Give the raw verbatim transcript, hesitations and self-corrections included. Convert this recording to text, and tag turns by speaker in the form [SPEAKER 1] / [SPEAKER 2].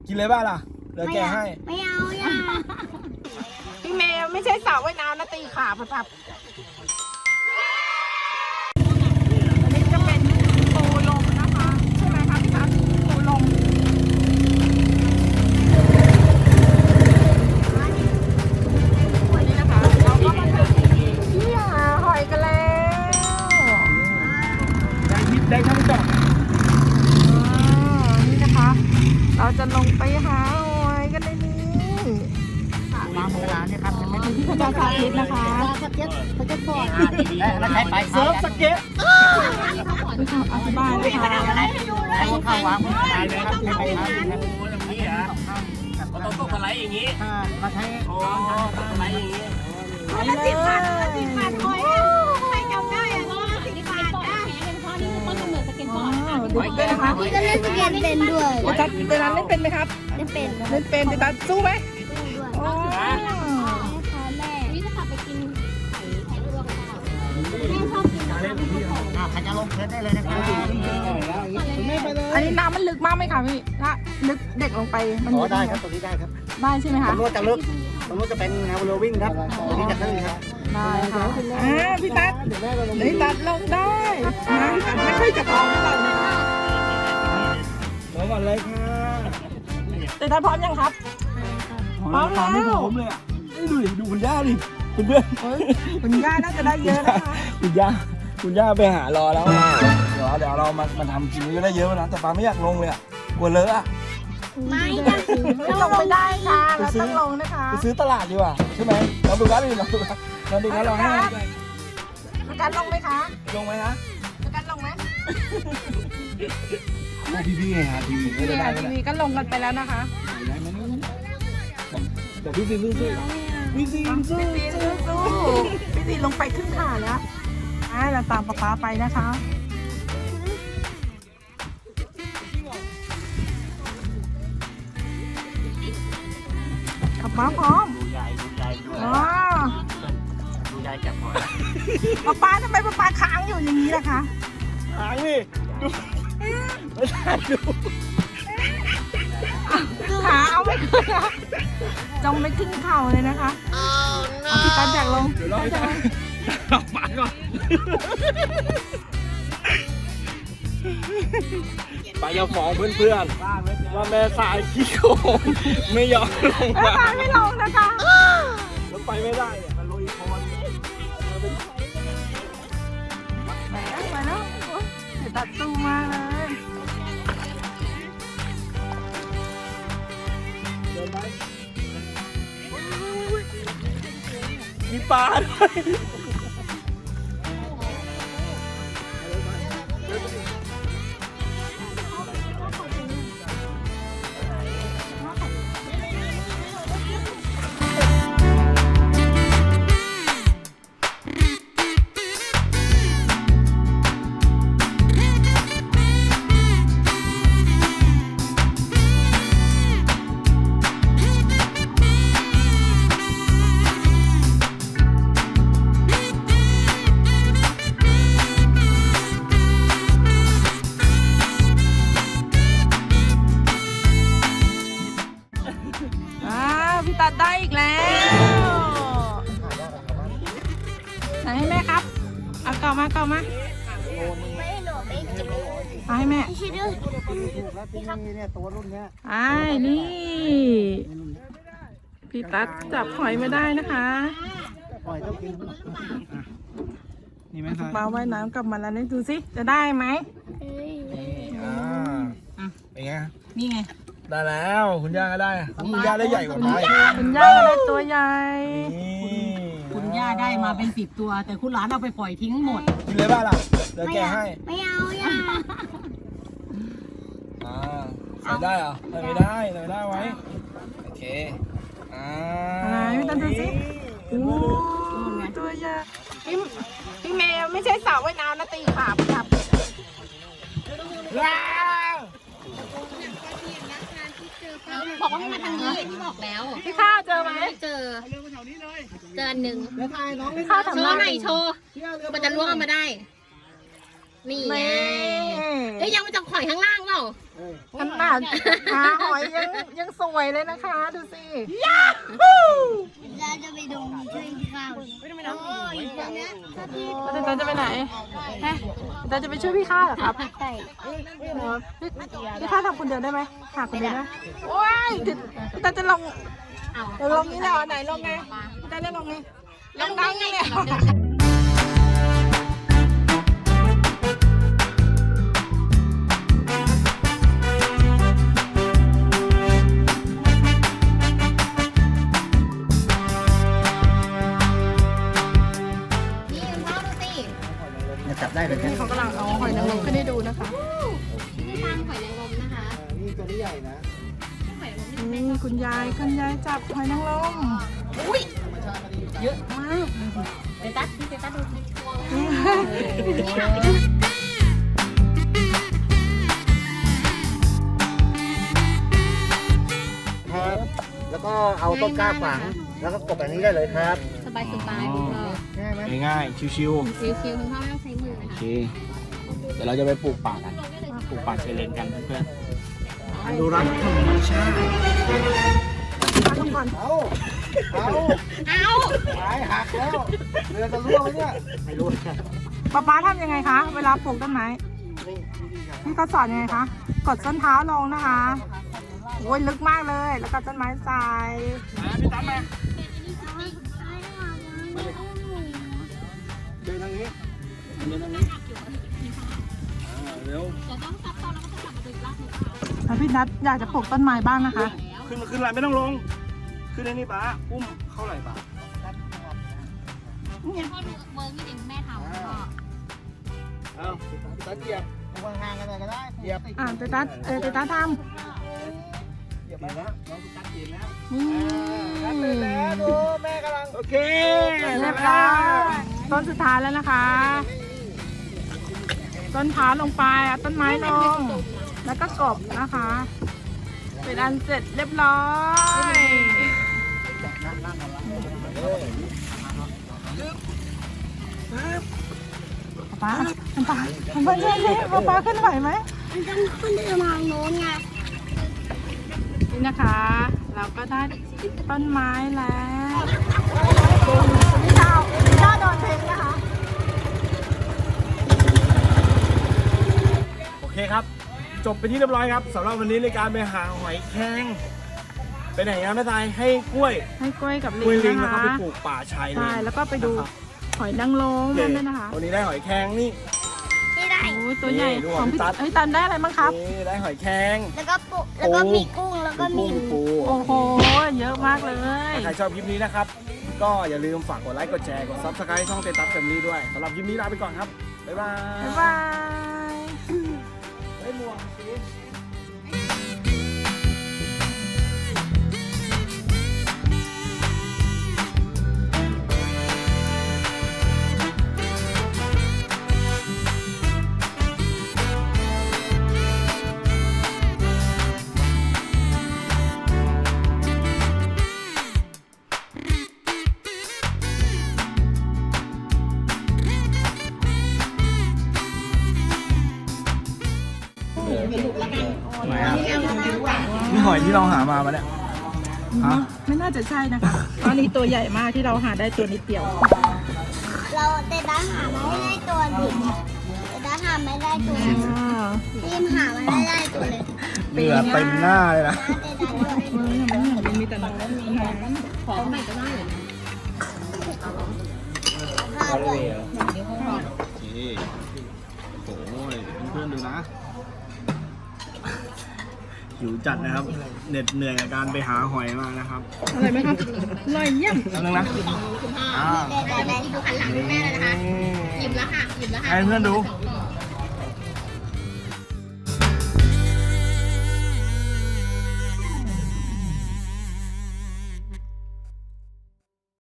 [SPEAKER 1] กินเลยบ้าล่ะเดี๋ยวแกให้
[SPEAKER 2] ไม่เอาอย่า
[SPEAKER 3] พี่เมย์ไม่ใช่สาวว่ายน้ำนะตีขาพับอันนี้จะเป็นปูลมนะคะใช่ไหมคะพี่ทัศน์ปูลมวันนี้นะคะเราก็มาถึงที่หาหอยกันแล้ว
[SPEAKER 1] ได้ยิบได้ทั้งจอด
[SPEAKER 3] นี่นะคะเราจะลงไปหาหอยกันในนี้มาโบราณเนี่ยครับเป็นที่พระเจ้าสาธิตนะคะ
[SPEAKER 2] สเก็ตสเก็ตบอร์ด
[SPEAKER 1] และใช้ไปเซิร์ฟสเก็ต
[SPEAKER 3] อธิบายเลยค่ะ
[SPEAKER 1] ให้ข้าววางได้เลยครับใช้ไปครับอย่างนี้อ่ะเราต้องต้องสไลด์อย่างนี้เราใช้โอ้สไลด์อย่างนี้
[SPEAKER 2] ละสิบบาทละสิบบาทหอยใครจำได้อะละสิบบาทได้เพราะนี่คือต้นกำเนิดสเก็ตบอร์ด
[SPEAKER 3] ดูด้วยนะคะ
[SPEAKER 2] นี่ก็เล่นสเก็ตเป็นด้วย
[SPEAKER 3] เดตัดเดตัดเล่นเป็นไหมครับ
[SPEAKER 2] เล่นเป็น
[SPEAKER 3] เล่นเป็นเดตัดสู้ไหม
[SPEAKER 2] นี่จะกลับไปกินไข่ไข่ลวกค่ะแม่ชอบกินนะคะ
[SPEAKER 1] อ่าใครจะลงเทสได้เลยนะครับ
[SPEAKER 3] อันนี้น้ำมันลึกมากไหมคะพี่ถ้าลึกเด็กลงไปมัน
[SPEAKER 1] อ๋อได้ครับตรงนี้ได้ครับ
[SPEAKER 3] ได้ใช่ไหมคะ
[SPEAKER 1] ตรงนู้นจะลึกตรงนู้นจะเป็นแนวเรือวิ่งครับตรงนี้จะตื้นครับ
[SPEAKER 3] ได้ค่ะอ่าพี่ตั๊ดพี่ตั๊ดลงได้นะไม่ค่อยจะพร้อมเท่าไหร่นะคะ
[SPEAKER 1] ลงก่อนเลยค่ะ
[SPEAKER 3] แต่ตั๊ดพร้อมยังครับ
[SPEAKER 1] พร้อมแล้วไม่พร้อมเลยอ่ะดูดิดูคุณย่าดิคุณเพื่อน
[SPEAKER 3] คุณย่าน่าจะได้เยอะนะคะ
[SPEAKER 1] คุณย่าคุณย่าไปหารอแล้วเดี๋ยวเดี๋ยวเรามามาทำกินก็ได้เยอะนะแต่ปลาไม่อยากลงเลยอ่ะกลัวเลอะอ่ะ
[SPEAKER 2] ไม่ได้
[SPEAKER 3] ไม่ลงไม่ได้ค่ะเราต้องลงนะคะ
[SPEAKER 1] ไปซื้อตลาดดีกว่าใช่ไหมเราดูกันดิเราดูกันเราดูกันเราให้
[SPEAKER 3] ประกันลงไหมคะ
[SPEAKER 1] ลงไหมฮะ
[SPEAKER 3] ประกันลงไหม
[SPEAKER 1] พี่พี่ไงฮะทีวีก็ได้
[SPEAKER 3] ทีวีก็ลงกันไปแล้วนะคะ
[SPEAKER 1] แต่พี่ซีสู้สู้พี่ซีสู้
[SPEAKER 3] พี่ซีสู้พี่ซีลงไปครึ่งขาแล้วอ่าเราตามป๊าป๊าไปนะคะขับม้าพร้อม
[SPEAKER 1] ดูใหญ่ดูใหญ่ดูใหญ่ดูใหญ่จับหอย
[SPEAKER 3] ป๊าป๊าทำไมป๊าป๊าค้างอยู่อย่างนี้ล่ะคะ
[SPEAKER 1] ค้างนี่ดูไม่ใช่ดู
[SPEAKER 3] ขาเอาไม่ขึ้นนะจงไม่ขึ้นเข่าเลยนะคะเอาพี่ตันจากลง
[SPEAKER 1] เดี๋ยวเราจะลองมาก่อนไปจะฟ้องเพื่อนๆว่าแม่สายขี้โกงไม่ยอมลงมา
[SPEAKER 3] แม่สายไม่ลงนะคะ
[SPEAKER 1] แล้วไปไม่ได้เนี่ยมันลุยคอน
[SPEAKER 3] ไปแล้วไปแล้วเดี๋ยวตัดตู้มาเลย
[SPEAKER 1] มีปลาด้วย
[SPEAKER 3] ตัดได้อีกแล้วไหนให้แม่ครับเอาเก่ามาเก่ามาเอาให้แม่ไอ้นี่พี่ตัดจับหอยไม่ได้นะคะปลาว่ายน้ำกลับมาแล้วนี่ดูสิจะได้ไหม
[SPEAKER 1] เป็นไง
[SPEAKER 3] นี่ไง
[SPEAKER 1] ได้แล้วคุณย่าก็ได้คุณย่าได้ใหญ่กว่าไป
[SPEAKER 3] คุณย่าได้ตัวใหญ่
[SPEAKER 4] คุณย่าได้มาเป็นสิบตัวแต่คุณหลานเอาไปปล่อยทิ้งหมด
[SPEAKER 1] กินเลยบ้าล่ะเดี๋ยวแกให้
[SPEAKER 2] ไม่เอาอย่า
[SPEAKER 1] อ่าใส่ได้เหรอไม่ได้ไม่ได้ไว้โอเคอ่า
[SPEAKER 3] อะไรพี่ตันดูสิโอ้ตัวใหญ่พี่พี่เมย์ไม่ใช่สาวว่ายน้ำนะตีขาครับ
[SPEAKER 1] ว้าว
[SPEAKER 2] บอกว่าให้มาทางนี้ที่บอกแล้ว
[SPEAKER 3] พี่ข้าวเจอไหม
[SPEAKER 2] เจอเจอหนึ่ง
[SPEAKER 3] พี่ข้าวทำ
[SPEAKER 2] โชว์หน่อยโชว์มันจะล้วงมาได้นี่ไงเฮ้ยยังมาจากข่อยข้างล่างเปล่า
[SPEAKER 3] ขนาดหาหอยยังยังสวยเลยนะคะ ดูสิ
[SPEAKER 2] เราจะไปดูช่วยข้าวโอ้ยตรงเนี้ย
[SPEAKER 3] แล้วตาจะไปไหนฮะตาจะไปช่วยพี่ข้าเหรอครับ
[SPEAKER 2] ใช่
[SPEAKER 3] เหรอพี่พี่ข้าทำคนเดียวได้ไหมหาคนเดียวได้โอ้ยพี่ตาจะลงจะลงนี้เหรอไหนลงไงพี่ตาจะลงไงลงดังเนี่ย
[SPEAKER 2] นี่พ่อดูสิ
[SPEAKER 1] จับได้เลย
[SPEAKER 3] นี่เขากำลังเอาหอยนางรมขึ้นให้ดูนะคะ
[SPEAKER 2] นี่ทางหอยนางรมนะคะ
[SPEAKER 1] นี่ตัวนี้ใหญ่นะ
[SPEAKER 3] นี่คุณยายคุณยายจับหอยนางรมอุ้ยเยอะมาก
[SPEAKER 2] เตตัสพี่เตตัสดูสิ
[SPEAKER 1] ครับ แล้วก็เอาต้นกล้าฝัง แล้วก็กบแบบนี้ได้เลยครับ
[SPEAKER 2] สบายสบายคุณพ่อ
[SPEAKER 1] ง่ายไหม
[SPEAKER 5] ง่ายๆชิว
[SPEAKER 2] ชิวๆคุณพ่อไม่ต้องใช้มือ
[SPEAKER 5] ๆ โอ
[SPEAKER 2] นะ
[SPEAKER 5] เค
[SPEAKER 2] คะ
[SPEAKER 5] เดี๋ยวเราจะไปปลูกป่ากัน ปลูกป่าเชลเลนกันเพื่อนๆอนุรักษ์ธรรมชาติ
[SPEAKER 3] ทุกคน
[SPEAKER 1] เอาเอา
[SPEAKER 2] เอา
[SPEAKER 1] หายหักแล้วเรือจะรั่วไหมเนี่ย ไม่รู้ใช่
[SPEAKER 3] ป๊าป๊าทำยังไงคะ เวลาปลูกต้นไม้พี่เขาสอนยังไงคะ กดส้นเท้าลงนะคะโอ้ยลึกมากเลย แล้วก็ต้นไม้ใส่
[SPEAKER 5] พี่ตั้มมา
[SPEAKER 1] เดินทางนี้
[SPEAKER 5] เดินทางนี้อ่าเร็ว
[SPEAKER 3] แล้วพี่นัทอยากจะปลูกต้นไม้บ้างนะคะ
[SPEAKER 5] ขึ้นมาขึ้นไหลไม่ต้องลง ขึ้นในนี่ป้าอุ้มเข้าไหลป้า
[SPEAKER 2] พ่อดูเวิร์กที่จริงแม่ทำพ่อ
[SPEAKER 1] เอาตะเกียบวางห่างกันหน่อยก็ได้เหยียบ
[SPEAKER 3] อ่าเตตัสเออเตตัสท
[SPEAKER 1] เหยียบไปแล้วน้องตัดเกียบแล้ว
[SPEAKER 3] ำนี่
[SPEAKER 1] ตัดเลยแล้วดูแม่กำลัง
[SPEAKER 5] โอเค
[SPEAKER 3] เรียบร้อยต้นสุดท้ายแล้วนะคะ ต้นเท้าลงไปเอาต้นไม้ลง แล้วก็กบนะคะ เป็นอันเสร็จเรียบร้อยป๊าป๊าป๊าช่วยดิป๊าป๊าขึ้นไหวไหม
[SPEAKER 2] มันต้องขึ้นไปมองโน้นไง
[SPEAKER 3] นี่นะคะ เราก็ได้ต้นไม้แล้วนี่ดาวนี่ดาวโดนเพลงนะคะ
[SPEAKER 5] โอเคครับ จบไปที่เรียบร้อยครับสำหรับวันนี้ในการไปหาหอยแครงไปไหนนะแม่ทรายให้กล้วย
[SPEAKER 3] ให้กล้วยกับลิ
[SPEAKER 5] กล้วย
[SPEAKER 3] ง
[SPEAKER 5] ลิง
[SPEAKER 3] นะ
[SPEAKER 5] แล้วก็
[SPEAKER 3] คะ
[SPEAKER 5] ไปปลูกป่าชายเลน
[SPEAKER 3] ใช่แล้วก็ไปดู
[SPEAKER 5] นะครับ
[SPEAKER 3] หอยนางรม
[SPEAKER 5] โอเค
[SPEAKER 3] ด้วยนะคะ
[SPEAKER 5] วันนี้ได้หอยแครงนี่
[SPEAKER 2] นี่ได้
[SPEAKER 3] โอ้ยตัวใหญ่
[SPEAKER 5] นี่ดู
[SPEAKER 3] ของพี่
[SPEAKER 5] ตัด
[SPEAKER 3] เอ้ยตันได้อะไรบ้างครับ
[SPEAKER 5] นี่ได้หอยแครง
[SPEAKER 2] แล้วก็ปุแล้วก็มีกุ้งแล้วก็มี
[SPEAKER 5] ปูปู
[SPEAKER 3] โอ้โห เยอะมากเลย
[SPEAKER 5] ถ้าใครชอบคลิปนี้นะครับ ก็อย่าลืมฝากกดไลค์กดแชร์กดซับสไครต์ช่องเตตัสแฟมิลี่ด้วยสำหรับคลิปนี้ลาไปก่อนครับบ๊ายบาย
[SPEAKER 3] บ๊ายบาย
[SPEAKER 5] เฮ้ยหมวกสิ นี่หอยที่เราหามาปะเนี่ย ฮะ
[SPEAKER 3] ไม่น่าจะใช่นะคะตอนนี้ตัวใหญ่มากที่เราหาได้ตัวนิดเดียว
[SPEAKER 2] เราเตตัสหามาไม่ได้ตัวดิเตตัสหาไม่ได้ตัว
[SPEAKER 3] อ่า
[SPEAKER 2] ทีมหามาไม่ได้ตัวเลย
[SPEAKER 5] เหงื่อเต็มหน้าเลยนะ
[SPEAKER 2] เตตัสด้วย
[SPEAKER 3] เมืองมันมันมีแต่น้ำน้ำ
[SPEAKER 2] ของไหนก็ได้ ข้าวด้วย
[SPEAKER 5] นี่โอ้ยเพื่อนๆดูนะ หิวจัดนะครับ เหน็ดเหนื่อยกับการไปหาหอยมานะครับ
[SPEAKER 3] อะไรไหมครับอร่อยเยี่ยม
[SPEAKER 5] แป๊บนึงนะอ่า
[SPEAKER 2] เตตัสได้ดูหันหลังดูแม่เลยนะคะหยิบแล้วค่ะหยิบแล้วค่ะ
[SPEAKER 5] ให้เพื่อนดู
[SPEAKER 2] เ